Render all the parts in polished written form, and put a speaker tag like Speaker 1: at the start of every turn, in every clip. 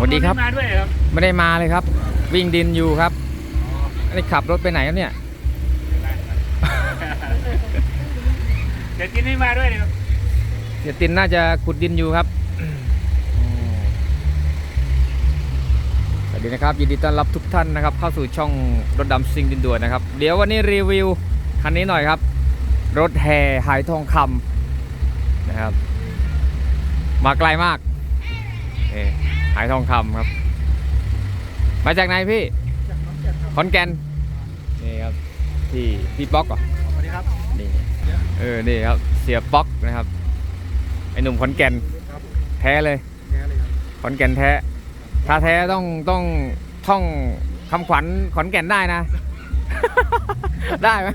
Speaker 1: วัสดีครับ
Speaker 2: มาด้วยครับ
Speaker 1: ไม่ได้มาเลยครับ วิ่งดินอยู่ครับอันนี้ขับรถไปไหนครับเนี่ย
Speaker 2: เดี๋ยวกินให้มาด้วยเลยครับ
Speaker 1: เสียตินน่าจะขุดดินอยู่ครับสวัสดีนะครับยินดีต้อนรับทุกท่านนะครับเข้าสู่ช่องรถดำซิ่งดินด่วนนะครับเดี๋ยววันนี้รีวิวคันนี้หน่อยครับรถแห่หายทองคำนะครับมาไกลมากหายทองคำครับมาจากไหนพี่ขอนแก่นนี่ครับพี่ป๊อกเหรอ
Speaker 2: สวัสดีครับ
Speaker 1: นี่นี่ครับเสียป๊อกนะครับไอหนุ่มขอนแก่นแท้เลยขอนแก่นแท้ถ้าแท้ต้องท่องคำขวัญขอนแก่นได้นะ ได้ไหม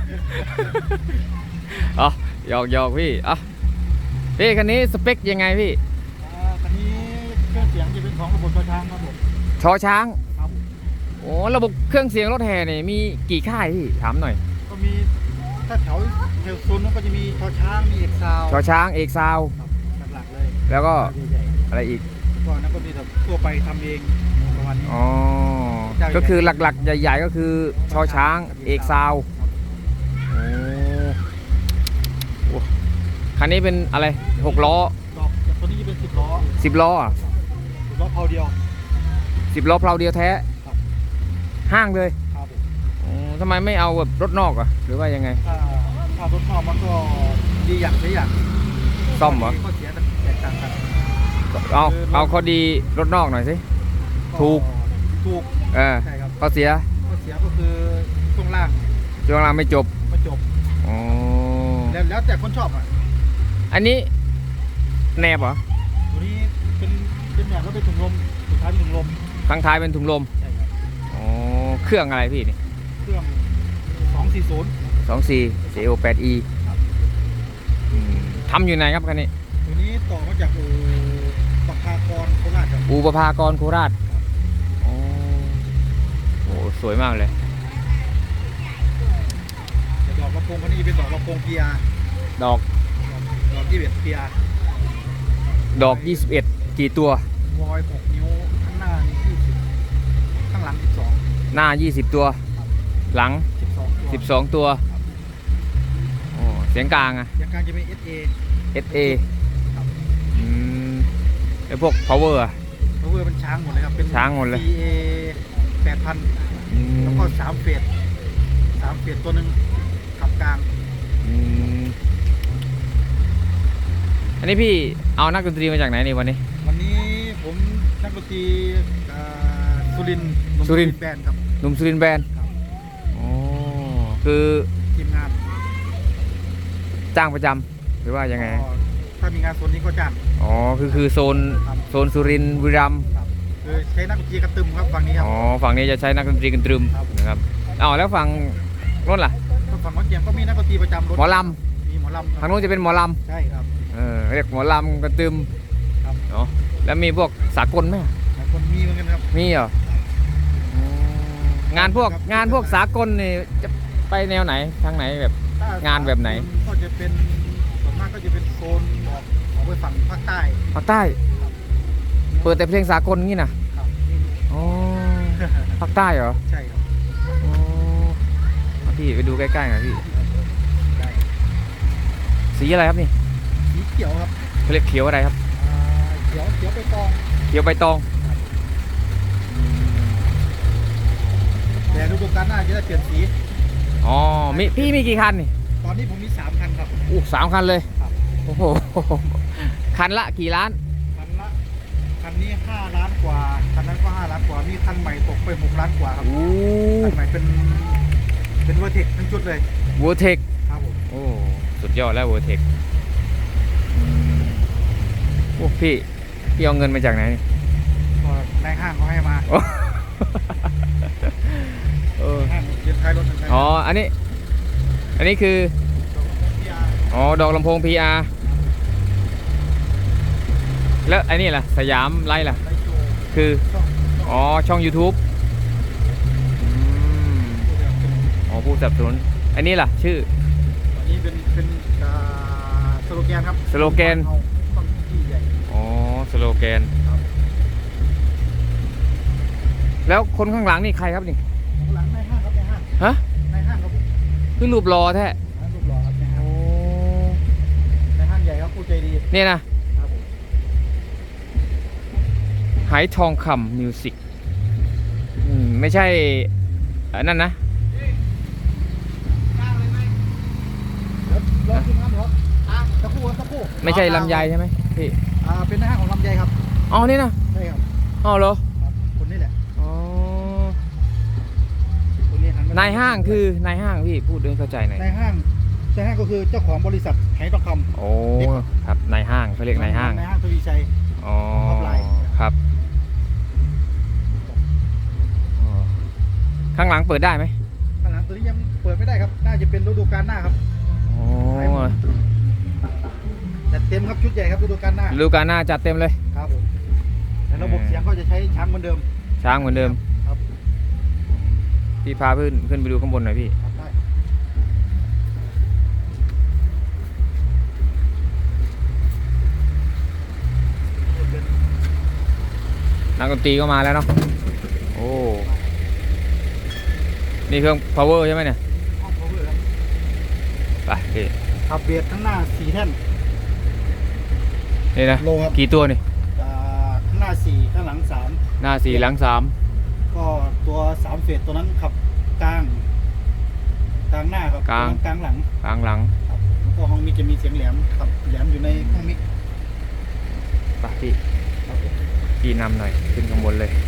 Speaker 1: อ๋อหยอกพี่อ่ะพี่คันนี้สเปคยังไงพี่
Speaker 2: คันนี้เครื่องเสียงจะเป็นของระบบชอช้างครับผม
Speaker 1: ชอช้าง
Speaker 2: ครับ
Speaker 1: โอ้ระบบเครื่องเสียงรถแห่เนี่ยมีกี่ค่ายพี่ถามหน่อย
Speaker 2: ก็มีถ้าแถวโซนนั้นก็จะมีชอช้างมีเอกซาว
Speaker 1: ชอช้างเอกซาว
Speaker 2: หลักๆเลย
Speaker 1: แล้วก็อะไรอีก
Speaker 2: ก็นั้นก็มีแบบทั่วไปทำเองประมาณนี้
Speaker 1: อ๋อก็คือหลักๆใหญ่ๆก็คือชอช้างเอกซาวโอ้คันนี้เป็นอะไร6 ล้อ
Speaker 2: ตัวนี้จะเป็น10 ล้อ
Speaker 1: 10 ล้ออ่ะ
Speaker 2: 10 ล้อเพาเดียว
Speaker 1: 10 ล้อเพลาเดียวแท้ห้างเลย
Speaker 2: ครับ
Speaker 1: ทำไมไม่เอาแบบรถนอกอ่ะหรือว่ายังไง
Speaker 2: ถ้ารถนอกมันก็ดีอย่างเสียอย่าง
Speaker 1: ซ่อมเหรอ
Speaker 2: ข้อเสียแตกต่างกัน
Speaker 1: เอาข้อดีรถนอกหน่อยสิถูกใช่ครับข้อเสีย
Speaker 2: ก็คือช่วงล่าง
Speaker 1: ไม่จบอ๋อ
Speaker 2: แล้วแต่คนชอบอ่ะ
Speaker 1: อันนี้แนบเหรอ
Speaker 2: ตัวนี้เป็นแนบแล้วเป็นถุงลมสุดท้ายเป็นถุงลม
Speaker 1: ข้างท้ายเป็นถุงลม
Speaker 2: ใช่ครับ
Speaker 1: อ๋อเครื่องอะไรพี่นี่
Speaker 2: เครื่อง240
Speaker 1: CO8E ทำอยู่ไหนครับคันนี้
Speaker 2: ตัวนี้ต่อมาจากอู่ประภากรโคราชครับ
Speaker 1: อู่ประภากรโคราชโอ้สวยมากเลย
Speaker 2: ดอกกระโปรงคันนี้เป็นดอกกระโปรง PR
Speaker 1: ดอก
Speaker 2: 21 PR
Speaker 1: ดอก21กี่ตัว
Speaker 2: วอย6 นิ้วข้างหน้านี่20ข้างหลัง12
Speaker 1: หน้า20ตัวหลัง12ตัวโอ้เสียงกลางอะ
Speaker 2: เสียงกลางจะเป็น
Speaker 1: SA ไอพวก power อะ
Speaker 2: power เป็นช้างหมดเลยครับเป็น
Speaker 1: ช้างหมดเลย
Speaker 2: CA 8,000แล้วก็3 เฟสตัวหนึ่งขับกลาง
Speaker 1: อันนี้พี่เอานักดนตรีมาจากไหนนี่วันนี้
Speaker 2: ผมนักดนตรีสุรินทร์แบนด์ครับ
Speaker 1: หนุ่มสุรินทร์แบนด์อ๋อคือ
Speaker 2: ทีมงาน
Speaker 1: จ้างประจำหรือว่ายังไง
Speaker 2: ถ้ามีงานโซนนี้ก็จ้าง
Speaker 1: อ๋อคือโซนสุรินทร์บุรีรัมย์
Speaker 2: คือใช้นักดนตรีกระตึมครับฝั่งนี้ครับ
Speaker 1: อ๋อฝั่งนี้จะใช้นักดนตรีกันตรึมนะครับแล้วฝั่งรถล่ะ
Speaker 2: ฝั่งรถเกียร์ก็มีนักดนตรีประจำรถ
Speaker 1: หมอล
Speaker 2: ำมีหมอลำ
Speaker 1: ทางนู้นจะเป็นหมอล
Speaker 2: ำใช่ครับ
Speaker 1: เรียกหมอลำกันตรึม
Speaker 2: ครับ
Speaker 1: แล้วมีพวกสากลไหม
Speaker 2: คนมีเหมือนกันครับ
Speaker 1: มีเหรองานพวกสากลนี่จะไปแนวไหนทางไหนแบบงานแบบไหน
Speaker 2: ก็จะเป็นส่วนมากก็จะเป็นโซนออกไปฝั่งภาคใต้
Speaker 1: เปิดแต่เพลงสากลงี้นะอ๋อภาคใต้เหรอ
Speaker 2: ใช่ครับ
Speaker 1: พี่ไปดูใกล้ๆหน่อยพี่สีอะไรครับนี่
Speaker 2: สีเขียวครับ
Speaker 1: เขาเรียกเขียวอะไรครับ
Speaker 2: เขียวใบตองแต่ฤดูกาลหน้าจะได้เปลี่ยนสี
Speaker 1: อ๋อพี่มีกี่คันนี่
Speaker 2: ตอนนี้ผมมี3 คันครับ
Speaker 1: 3 คันเลยโอ้โหคันละกี่ล้าน
Speaker 2: คันนี้5 ล้านกว่าคันนั้นก็5 ล้านกว่ามีคันใหม่ตกไป6 ล้านกว่าครับคันใหม่เป็นเวอร์เทคทั้งชุดเลย
Speaker 1: เวอร์เทค
Speaker 2: ครับผม
Speaker 1: โอ้สุดยอดแล้วเวอร์เทคโอ้พี่เอาเงินมาจากไหน
Speaker 2: ก็ในห้างเขาให้มาห้างเย็นท้ายรถ
Speaker 1: อ๋ออันนี้คือดอกลำโพง PR แล้วไอ้นี่ล่ะสยามไลท์ล่ะคือช่อง YouTube ผู้สนับสนุนอันนี้ล่ะชื่อ
Speaker 2: อันนี้เป็นสโลแกนครับ
Speaker 1: สโลแกนสโลแกนแล้วคนข้างหลังนี่ใครครับนี่
Speaker 2: หลังในห้างครับในห้าง
Speaker 1: ฮะ
Speaker 2: ในห้างครับผม
Speaker 1: คือรูปรอแท้
Speaker 2: ร้านรูปหล่อครับในห้าง
Speaker 1: โอ้
Speaker 2: ในห้างใหญ่ครับผู้ใจดี
Speaker 1: เนี่ยนะครับ
Speaker 2: ผม
Speaker 1: ไหทองคำมิวสิกไม่ใช่นั่นนะ
Speaker 2: แล้วรอคุณครับครับตะคู่ครับตะคู่
Speaker 1: ไม่ใช่ลำไยใช่ไหมพี่
Speaker 2: เป็นในห้างของลำไยครับ
Speaker 1: อ๋อนี่นะ
Speaker 2: ใช่ครับ
Speaker 1: อ๋อเหรอ
Speaker 2: ครับคนนี้แหละ
Speaker 1: อ๋อ
Speaker 2: คนนี้หันม
Speaker 1: นายห้างคือนายห้างพี่พูดด้วยเข้าใจหน่อย
Speaker 2: นายห้างก็คือเจ้าของบริษัทไหทองคำ
Speaker 1: โอ้ครับนายห้างเขาเรียกนายห้าง
Speaker 2: นายห้างทวีชัย
Speaker 1: อ๋อ
Speaker 2: ท็อปไลน์
Speaker 1: ครับอ๋อข้างหลังเปิดได้ไหม
Speaker 2: ข้างหลังตัวนี้ยังเปิดไม่ได้ครับน่าจะเป็นฤดูกาลหน้าครับ
Speaker 1: โอ้
Speaker 2: จัดเต็มครับชุดใหญ่ครับฤดูกาลหน้า
Speaker 1: ฤดูกาลหน้าจัดเต็มเลย
Speaker 2: ครับผมแต่ระบบเสียงก็จะใช้ช้างเหมือนเดิม
Speaker 1: ช้างเหมือนเดิม
Speaker 2: ครับ
Speaker 1: พี่พาขึ้นไปดูข้างบนหน่อยพี่
Speaker 2: ครับได้
Speaker 1: นักดนตรีก็มาแล้วเนาะโอ้นี่เครื่อง power ใช่ไหมเนี่ย
Speaker 2: ห้อง power ครับ
Speaker 1: ไปพี่
Speaker 2: ขับเบียดข้างหน้า4แท่น
Speaker 1: นี่นะ
Speaker 2: โลครับ
Speaker 1: กี่ตัวนี่
Speaker 2: ข้างหน้า4ข้างหลัง3
Speaker 1: หน้า4หลัง3
Speaker 2: ก็ตัว3เฟสตัวนั้นขับกลางหน้าครับ
Speaker 1: กลาง
Speaker 2: ตัวนั้นกลางหลัง
Speaker 1: กลางหลัง
Speaker 2: ครับแล้วก็ห้องมิกจะมีเสียงแหลมขับแหลมอยู่ในห้องมิก
Speaker 1: ไปพี่
Speaker 2: ครับผม
Speaker 1: พี่นำหน่อยขึ้นข้างบนเลย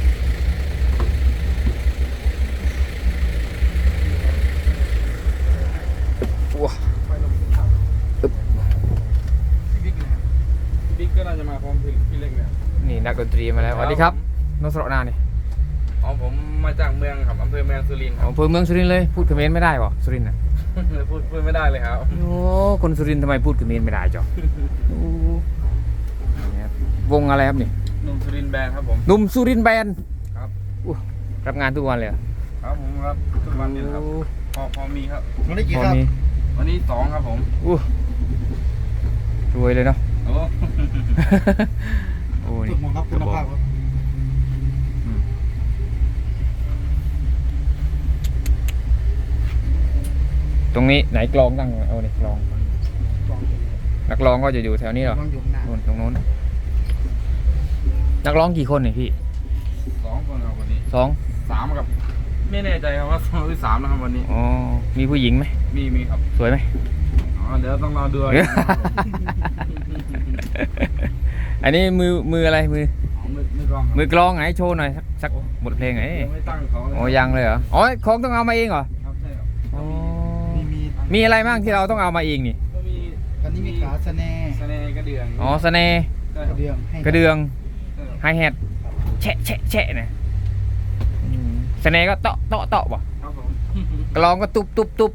Speaker 1: ว้า
Speaker 2: ไฟลมครับ
Speaker 1: อึ๊บ
Speaker 2: มิกนะครับ
Speaker 3: บิ๊กก็น่าจะมาพร้อมพี่เล็กเนี่ย
Speaker 1: นี่นักดนตรีมาแล้วสวัสดีครับนสระนานี่
Speaker 3: อ๋อผมมาจากเมืองครับอำเภอเมืองสุรินทร์ค
Speaker 1: อ๋
Speaker 3: รั
Speaker 1: อบ อำเภอเมืองสุรินทร์เลยพูดเขมรไม่ได้ป่ะสุรินทร์น่ะ
Speaker 3: พูดไม่ได้เลยครับ
Speaker 1: โอ้คนสุรินทร์ทำไมพูดเขมรไม่ได้จ๊อโอ้นี่ครับวงอะไรครับนี่
Speaker 3: หนุ่มสุรินทร์แบนด์ครับผม
Speaker 1: หนุ่มสุรินทร์แบนด์
Speaker 3: ครับ
Speaker 1: อู้รับงานทุกวันเลยเหรอ
Speaker 3: ครับผมครับทุกวันนี้นะครับ
Speaker 1: โอ้
Speaker 3: พอมีครับ
Speaker 2: วันนี้กี่
Speaker 1: พอ
Speaker 2: ครับ
Speaker 1: มี
Speaker 3: วันนี้2ครับผม
Speaker 1: อู้รวยเลยเนาะ
Speaker 3: โอ้
Speaker 1: โอ้
Speaker 2: ทุ
Speaker 1: นี่
Speaker 2: กมองครับคุณภาพครับ
Speaker 1: อืมตรงนี้ไหนกลองตั้งเอาเนี่ยกลอง
Speaker 2: กองอยู่
Speaker 1: นักร้องก็จะอยู่แถวนี้เหรอ
Speaker 2: วางอยู่ข้างหน้า
Speaker 1: นู่นตรงนู้นนักร้องกี่คนเนี่ยพี่
Speaker 3: 2คนครับวันนี้
Speaker 1: 2
Speaker 3: 3ครับไม่แน่ใจครับว่า2หรือ3นะครับวันนี้
Speaker 1: อ๋อมีผู้หญิงไหม
Speaker 3: มีครับ
Speaker 1: สวยไหม
Speaker 3: อ๋อเดี๋ยวต้องรอดูครับผม
Speaker 1: อันนี้มืออะไรมือ
Speaker 3: อ๋อมือกลองครับ
Speaker 1: มือกลองไหนโชว์หน่อยสักบทเพลงไหน
Speaker 3: ยังไม่ตั้งเขาเลย
Speaker 1: โอ้ยังเลยเหรออ๋อของต้องเอามาเองเหรอ
Speaker 3: ครับใช่ครับ
Speaker 1: อ๋อ
Speaker 2: มี
Speaker 1: มีอะไรบ้างที่เราต้องเอามาเองนี่
Speaker 3: ก็มี
Speaker 2: อันนี้มีขาสะแน
Speaker 3: สแนกระเดื่อง
Speaker 1: อ๋อสเนห์
Speaker 3: ใช่
Speaker 2: ก
Speaker 3: ค
Speaker 2: ระ
Speaker 3: รับ
Speaker 2: เดื่องให้
Speaker 1: กระเดือง
Speaker 3: ใช่ครับ
Speaker 1: ไฮแฮทแฉะแฉะแฉะเนี่ยสเนห์ก็เตาะเตาะเตาะป่ะ
Speaker 3: ครับผม
Speaker 1: กลองก็ตุบตุบตุบ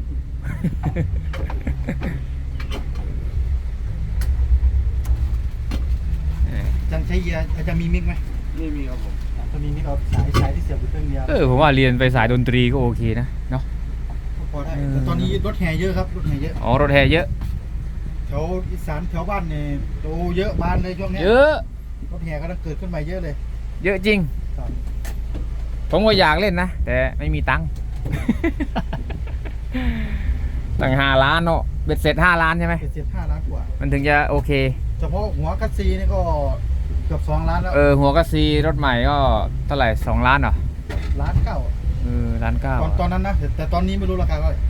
Speaker 2: จันใช้เยียอาจจะมีมิกไหม
Speaker 3: มีครับผม
Speaker 2: ตัวนี้มิกเอาสายที่เสียบอยู่เครื่องเดียว
Speaker 1: ผมว่าเรียนไปสายดนตรีก็โอเคนะเนาะ
Speaker 2: ก็พอได้แต่ตอนนี้รถแห่เยอะครับรถแห่เยอะ
Speaker 1: อ๋อรถแห่เยอะ
Speaker 2: แถวอีสานแถวบ้านเนี่ยโตเยอะบานเลยช่วงเนี้ย
Speaker 1: เยอะ
Speaker 2: รถแห่ก็ต้องเกิดขึ้นมาเยอะเลย
Speaker 1: เยอะจริง
Speaker 2: ครับ
Speaker 1: ผมก็อยากเล่นนะ แต่ไม่มีตังค์ ตั้ง5 ล้านเนาะเบ็ดเสร็จ5 ล้านใช่ไหม
Speaker 2: เจ็ด5 ล้านกว่า
Speaker 1: มันถึงจะโอเค
Speaker 2: เฉพาะหัวกัสซีนี่ก็เกือบ2 ล้านแล้ว
Speaker 1: หัวกระซีรถใหม่ก็เท่าไหร่2 ล้านเหรอ
Speaker 2: ล้านเก้า
Speaker 1: ล้านเก้า
Speaker 2: ตอนนั้นนะแต่ตอนนี้ไม่รู้ราคาเท่าไหร่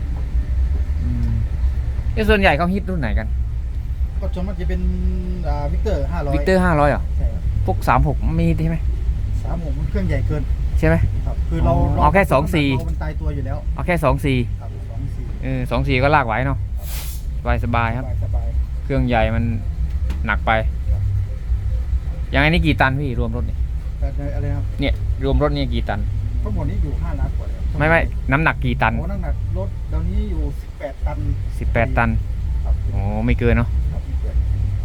Speaker 1: ส่วนใหญ่เขาฮิตรุ่นไหนกัน
Speaker 2: ก็ส่วนมากจะเป็นวิกเตอร์500
Speaker 1: วิกเตอร์500เหรอ
Speaker 2: ใช่ครับ
Speaker 1: พวก36มีใช่ไหม
Speaker 2: 36มันเครื่องใหญ่เกิน
Speaker 1: ใช่ไหม
Speaker 2: ครับคือเรา
Speaker 1: เอาแค่
Speaker 2: เรา
Speaker 1: 24
Speaker 2: มันตายตัวอยู่แล้ว
Speaker 1: เอาแค่24
Speaker 2: ครับ24
Speaker 1: 24ก็ลากไหวเนาะสบายๆครับ
Speaker 2: สบาย
Speaker 1: เครื่องใหญ่มันหนักไป อย่างอันนี้กี่ตันพี่รวมรถนี่
Speaker 2: ๆแต่อะไรนะครับ
Speaker 1: เนี่ยรวมรถนี่กี่ตัน
Speaker 2: ทั้งหมดนี้อยู่5 ล้านกว่าแล้ว
Speaker 1: ไม่น้ำหนักกี่ตัน
Speaker 2: โอ้น้ำหนักรถเดี๋ยวนี้อยู่18 ตัน
Speaker 1: 18 ตัน
Speaker 2: ครับ
Speaker 1: โอ้ไม่เกินเนาะ
Speaker 2: ครับไม่เกิน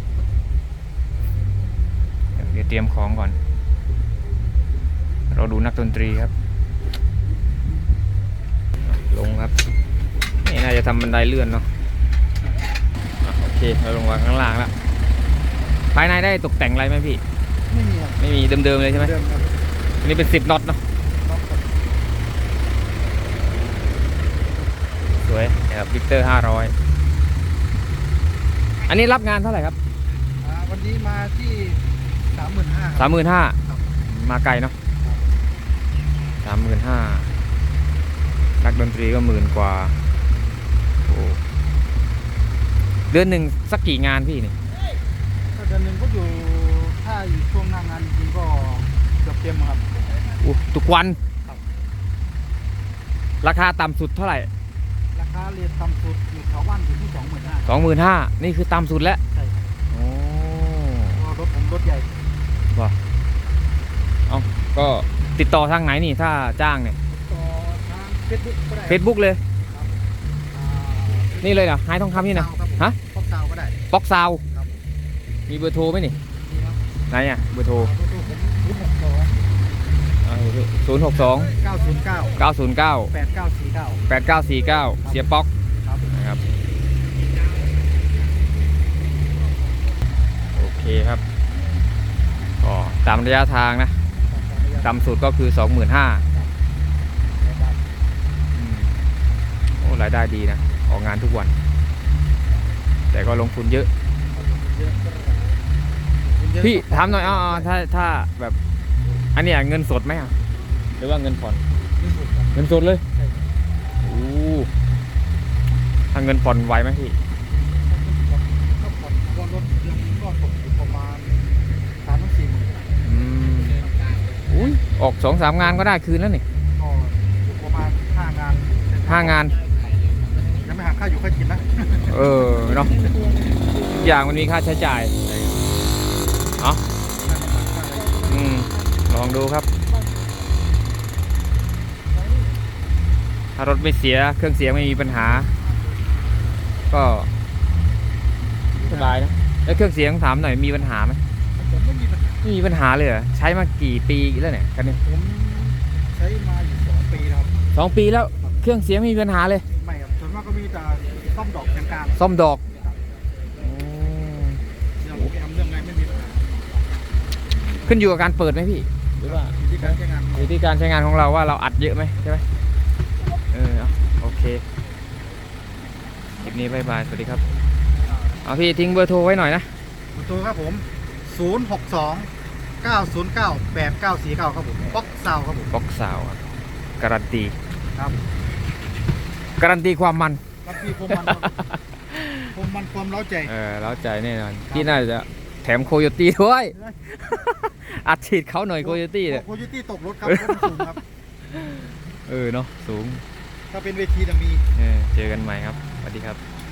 Speaker 1: เดี๋ยวเตรียมของก่อน เราดูนักดนตรีครับ ลงครับ นี่น่าจะทำบันไดเลื่อนเนาะโอเคเราลงมาข้างล่างแล้ว ภายในได้ตกแต่งอะไรไหมพี่
Speaker 2: ไม่มีครับ
Speaker 1: ไม่มีเดิมๆเลยใช่ไหม
Speaker 2: เดิมครับ
Speaker 1: อันนี้เป็น10 น็อตเนาะสวยๆนะครับวิกเตอร์500อันนี้รับงานเท่าไหร่ครับ
Speaker 2: วันนี้มาที่35,000 ครับ
Speaker 1: 35,000มาไกลเนาะ35,000นักดนตรีก็10,000 กว่าโอ้เดือนหนึ่งสักกี่งานพี่นี่
Speaker 2: ก็เดือนหนึ่งก็อยู่ถ้าอยู่ช่วงหน้างานจริงๆก็เกือบเต็มครับ
Speaker 1: อู้ทุกวัน
Speaker 2: ครับ
Speaker 1: ราคาต่ำสุดเท่าไหร่
Speaker 2: ราคาเรียนต่ำสุดอยู่แถวบ้านอยู่ที่ 25,000
Speaker 1: 25,000นี่คือต่ำสุดแล้ว
Speaker 2: ใช่ครับ
Speaker 1: โอ้
Speaker 2: เพราะว่ารถผมรถใหญ่
Speaker 1: เอาก็ติดต่อทางไหนนี่ถ้าจ้างเนี่ย
Speaker 2: ต่อทางเฟซบุ๊กก็ได้
Speaker 1: Facebook เลย
Speaker 2: อ่า
Speaker 1: นี่เลยเหรอไฮทองคำนี่นะ
Speaker 2: ครับผม
Speaker 1: ฮะ
Speaker 2: ป๊อกซาวก็ได้
Speaker 1: บ็อกซาว
Speaker 2: ครับ
Speaker 1: มีเบอร์โทรไหมนี่
Speaker 2: นี่ครับ
Speaker 1: ไหนอ่ะเบอร์โทร
Speaker 2: ตัวผม062
Speaker 1: 062
Speaker 2: 909
Speaker 1: 909
Speaker 2: 8949
Speaker 1: 8949 เสียป๊อก
Speaker 2: ครับ
Speaker 1: นะครับโอเคครับก็ตามระยะทางนะต่ำสุดก็คือ 25,000โอ้รายได้ดีนะออกงานทุกวัน แต่ก็ลงทุนเยอะ พี่ถามหน่อยถ้าแบบอันเนี้ยเงินสดไหมอ่ะหรือว่าเงินผ่อนเงินสดเลยโอ้ถ้าเงินผ่อนไหวไหมพี่
Speaker 2: ก็ผ่อนว่ารถเดือนนึงก็ตกอยู่ประมาณ3-4 หมื่น
Speaker 1: อุ้ยออก2-3 งานก็ได้คืนแล้วนี่
Speaker 2: ก็อยู่ประมาณ5 งาน
Speaker 1: 5 งาน
Speaker 2: ยังไม่หักค่าอยู่ค่ากินนะ
Speaker 1: เออเนาะทุกอย่างมันมีค่าใช้จ่ายเอาลองดูครับ ถ้ารถไม่เสียเครื่องเสียงไม่มีปัญหา ก็สบายนะแล้วเครื่องเสียงถามหน่อยมีปัญหาไหม
Speaker 2: ผมไม่มีปัญหา
Speaker 1: ไม่มีปัญหาเลยเหรอใช้มากี่ปีแล้วเนี่ยคันนี้
Speaker 2: ผมใช้มาอยู่2 ปีแล้วครับ
Speaker 1: 2 ปีแล้วเครื่องเสียงไม่มีปัญหาเลย
Speaker 2: ไม่ครับส่วนมากก็มีแต่ซ่อมดอกกลาง
Speaker 1: ซ่อมดอก
Speaker 2: ๆเรื่องแอมเรื่องอะไรไม่มีปัญหา
Speaker 1: ขึ้นอยู่กับการเปิดไหมพี่หรือว่า
Speaker 2: อยู่ที่การใช้งาน
Speaker 1: อยู่ที่การใช้งานของเราว่าเราอัดเยอะไหมใช่ไหมเอาโอเคคลิปนี้บายบายสวัสดีครับเอาพี่ทิ้งเบอร์โทรไว้หน่อยนะ
Speaker 2: ขอโทรครับผม062 909 8949ครับผมป๊อกซาวครับผม
Speaker 1: บ็อกสาวครับการันตี
Speaker 2: ครับ
Speaker 1: การันตีความมัน
Speaker 2: รับพี่ผมมันครับผมมันความเล้าใจ
Speaker 1: เล้าใจแน่นอนที่น่าจะแถมโคโยตี้ด้วย อัดฉีดเขาหน่อยโคโยตี้เนี่ย
Speaker 2: โคโยตี้ตกรถครับรถมันสูงครับ
Speaker 1: เนาะสูง
Speaker 2: ถ้าเป็นเวทีจะมี
Speaker 1: เจอกันใหม่ครับสวัสดีครับ